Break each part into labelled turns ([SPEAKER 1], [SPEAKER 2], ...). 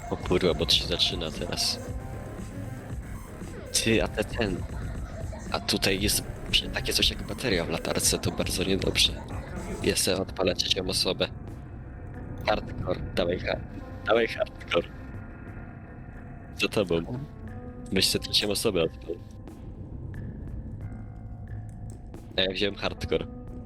[SPEAKER 1] O kurwa, bo to się zaczyna teraz. Ty, a tutaj jest takie coś jak bateria w latarce, to bardzo niedobrze. Jest odpalę trzecią osobę. Hardcore, dawaj hardcore. Za tobą. Myślę trzecią osobę odpal. A ja wziąłem hardcore.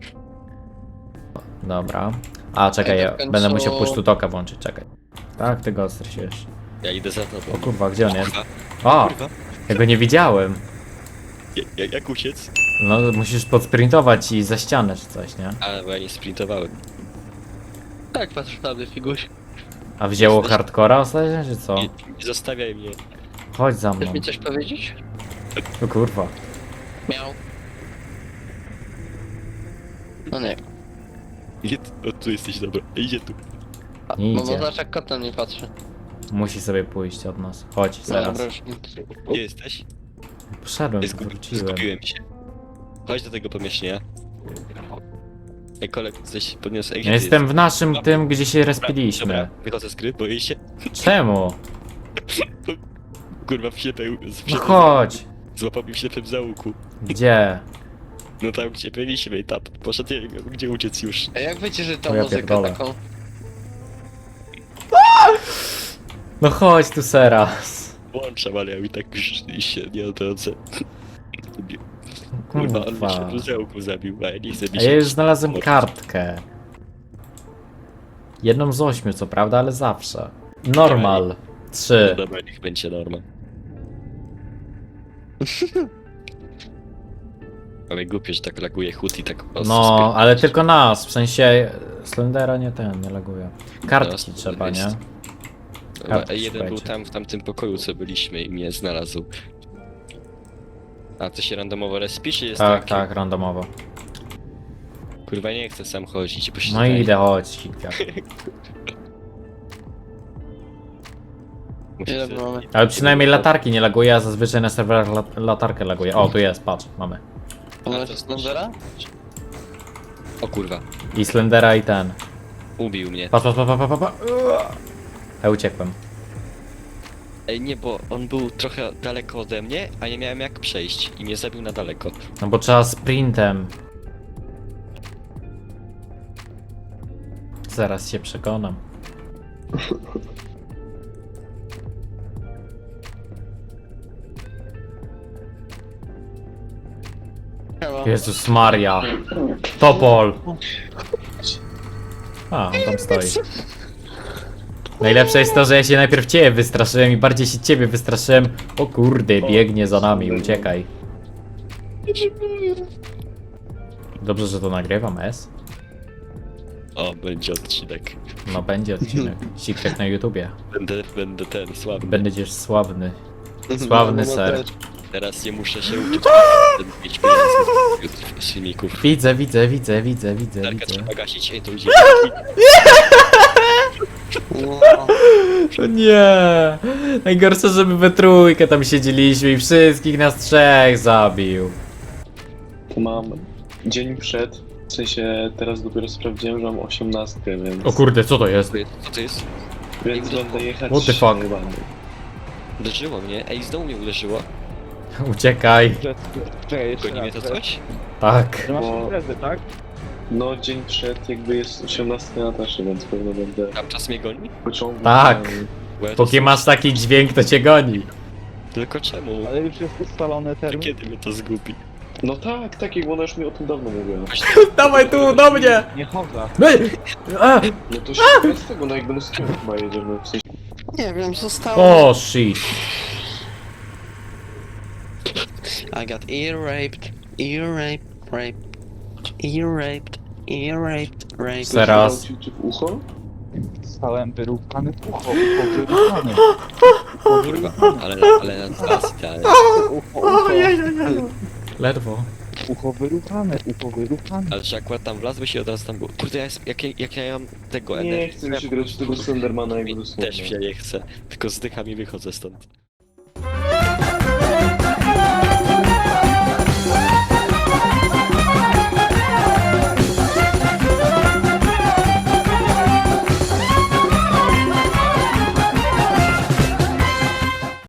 [SPEAKER 2] Dobra. A, czekaj, ja
[SPEAKER 3] w końcu-
[SPEAKER 2] będę musiał push to talka włączyć, czekaj. Tak, ty go stresujesz.
[SPEAKER 1] Ja idę za tobą.
[SPEAKER 2] O kurwa, gdzie on jest?
[SPEAKER 1] Kurwa,
[SPEAKER 2] O!
[SPEAKER 1] kurwa.
[SPEAKER 2] Ja go nie widziałem.
[SPEAKER 1] Jak uciec?
[SPEAKER 2] No, musisz podsprintować i za ścianę czy coś, nie?
[SPEAKER 1] A, bo ja nie sprintowałem.
[SPEAKER 3] Tak, patrz prawdy, figuś.
[SPEAKER 2] A wzięło
[SPEAKER 1] Jesteś-
[SPEAKER 2] hardcora ostatnio, czy co?
[SPEAKER 1] Nie zostawiaj mnie.
[SPEAKER 2] Chodź za mną.
[SPEAKER 3] Chcesz mi coś powiedzieć?
[SPEAKER 2] O kurwa.
[SPEAKER 3] Miał. No nie.
[SPEAKER 1] Nie, o, tu jesteś, dobra. Idzie tu.
[SPEAKER 2] Nie
[SPEAKER 3] No
[SPEAKER 2] idzie.
[SPEAKER 3] bo zobacz jak kot na mnie patrzy.
[SPEAKER 2] Musi sobie pójść od nas. Chodź, zaraz.
[SPEAKER 3] Dobra, już.
[SPEAKER 1] Gdzie jesteś?
[SPEAKER 2] Poszedłem, wróciłem.
[SPEAKER 1] Zgubiłem się. Chodź do tego pomieszczenia. Ej, kolego, coś podniosę.
[SPEAKER 2] Ja jestem w naszym tym, gdzie się respiliśmy.
[SPEAKER 1] Dobra, wychodzę z gry, boję się.
[SPEAKER 2] Czemu?
[SPEAKER 1] Kurwa, w ślepej...
[SPEAKER 2] No chodź.
[SPEAKER 1] Złapał mi w ślepym załuku.
[SPEAKER 2] Gdzie?
[SPEAKER 1] No tam, gdzie byliśmy i tam poszedł, ja nie wiem, gdzie uciec już.
[SPEAKER 3] A jak wiecie, że
[SPEAKER 2] O,
[SPEAKER 3] tą
[SPEAKER 2] ja
[SPEAKER 3] muzykę
[SPEAKER 2] pierdolę.
[SPEAKER 3] taką...
[SPEAKER 2] No chodź tu teraz.
[SPEAKER 1] Włączam, ale ja mi tak już się nie odrodzę. Kurwa, on mi się
[SPEAKER 2] Kurwa.
[SPEAKER 1] w załuku zabił, a ja nie chcę mi
[SPEAKER 2] A
[SPEAKER 1] się...
[SPEAKER 2] ja już znalazłem kartkę. Jedną z 8, co prawda, ale zawsze. Normal.
[SPEAKER 1] No
[SPEAKER 2] 3.
[SPEAKER 1] dobra, niech będzie norma. Ale głupio, że tak laguje hut i tak...
[SPEAKER 2] No, ale tylko nas, w sensie Slendera nie nie laguje. Kartki
[SPEAKER 1] Teraz
[SPEAKER 2] trzeba,
[SPEAKER 1] jest.
[SPEAKER 2] nie?
[SPEAKER 1] A
[SPEAKER 2] kartki
[SPEAKER 1] jeden był
[SPEAKER 2] szukajcie.
[SPEAKER 1] tam, w tamtym pokoju, co byliśmy i mnie znalazł. A to się randomowo respi, czy jest
[SPEAKER 2] Tak,
[SPEAKER 1] takie?
[SPEAKER 2] tak, randomowo.
[SPEAKER 1] Kurwa, nie chcę sam chodzić, bo się
[SPEAKER 2] No i
[SPEAKER 1] tutaj-
[SPEAKER 2] idę, chodź, Hitler.
[SPEAKER 1] muszę
[SPEAKER 3] Ile
[SPEAKER 1] sobie-
[SPEAKER 3] mamy?
[SPEAKER 2] Ale przynajmniej latarki nie laguje, a zazwyczaj na serwerach latarkę laguje. O, tu jest, patrz, mamy.
[SPEAKER 3] Ona
[SPEAKER 1] to
[SPEAKER 3] jest Slendera?
[SPEAKER 1] O kurwa,
[SPEAKER 2] I Slendera i ten.
[SPEAKER 1] ubił mnie.
[SPEAKER 2] Patrz, patrz, patrz, patrz, patrz. Ja uciekłem.
[SPEAKER 1] Ej, nie, bo on był trochę daleko ode mnie, a nie miałem jak przejść i mnie zabił na daleko.
[SPEAKER 2] No bo trzeba sprintem. Zaraz się przekonam.
[SPEAKER 3] Chyba.
[SPEAKER 2] Jezus Maria. Topol. A, on tam stoi. Najlepsze jest to, że ja się najpierw ciebie wystraszyłem i bardziej się ciebie wystraszyłem. O kurde, biegnie za nami, uciekaj. Dobrze, że to nagrywam, S.
[SPEAKER 1] O, będzie odcinek.
[SPEAKER 2] No będzie odcinek. Secret na YouTubie.
[SPEAKER 1] Będę ten, sławny.
[SPEAKER 2] Będziesz sławny. Sławny
[SPEAKER 3] No,
[SPEAKER 2] ser.
[SPEAKER 3] też.
[SPEAKER 1] Teraz nie muszę się uczyć. Będę mieć pieniędzy z filmików.
[SPEAKER 2] Widzę, widzę, widzę, widzę, widzę,
[SPEAKER 1] Darka
[SPEAKER 2] widzę.
[SPEAKER 1] trzeba gasić, ej, to idzie.
[SPEAKER 3] No.
[SPEAKER 2] O nie! Najgorsze, żeby we trójkę tam siedzieliśmy i wszystkich nas trzech zabił.
[SPEAKER 4] To mam dzień przed, w sensie teraz dopiero sprawdziłem, że mam 18, więc,
[SPEAKER 2] O kurde, co to jest?
[SPEAKER 1] Co to jest?
[SPEAKER 4] więc będę jechać
[SPEAKER 2] What the fuck?
[SPEAKER 4] najebany.
[SPEAKER 1] Uderzyło mnie, ej, znowu mnie uderzyło.
[SPEAKER 2] Uciekaj.
[SPEAKER 5] Czekaj, jeszcze
[SPEAKER 1] Goni mnie
[SPEAKER 5] raz.
[SPEAKER 1] to coś?
[SPEAKER 2] Tak.
[SPEAKER 5] Że masz
[SPEAKER 4] Bo-
[SPEAKER 5] imprezę, tak?
[SPEAKER 4] No dzień przed jakby jest 18 na taszy, więc pewno będę
[SPEAKER 1] Tam czas mnie goni?
[SPEAKER 4] pociągał.
[SPEAKER 2] Tak.
[SPEAKER 1] Bo ja to
[SPEAKER 2] Póki masz taki dźwięk, to cię goni.
[SPEAKER 1] Tylko czemu?
[SPEAKER 5] Ale już jest ustalony
[SPEAKER 1] To
[SPEAKER 5] termin.
[SPEAKER 1] kiedy mnie to zgubi?
[SPEAKER 4] No tak, tak jak ona już mi o tym dawno mówiła.
[SPEAKER 2] Dawaj tu, do mnie!
[SPEAKER 5] Nie chodzę.
[SPEAKER 2] A!
[SPEAKER 4] No to się bez tego, no jak do Moskwy chyba jedziemy, w sensie
[SPEAKER 3] Nie wiem, zostało.
[SPEAKER 2] O, shit.
[SPEAKER 3] I got ear raped, ear raped, raped.
[SPEAKER 2] Teraz.
[SPEAKER 4] Ci w ucho?
[SPEAKER 5] Stałem wyrównany w ucho, ucho wyrównane.
[SPEAKER 1] Kurwa, ale na dwa idealnie.
[SPEAKER 5] Ucho
[SPEAKER 2] Ledwo.
[SPEAKER 5] wyrównane, ucho wyrównane.
[SPEAKER 1] Ale że akurat tam wlazłeś i od razu tam było. Kurde, jak ja mam tego
[SPEAKER 4] Nie chcę mi się grać w tego Slendermana jakby
[SPEAKER 1] Też
[SPEAKER 4] dosłownie.
[SPEAKER 1] się nie chcę, tylko zdycham i wychodzę stąd.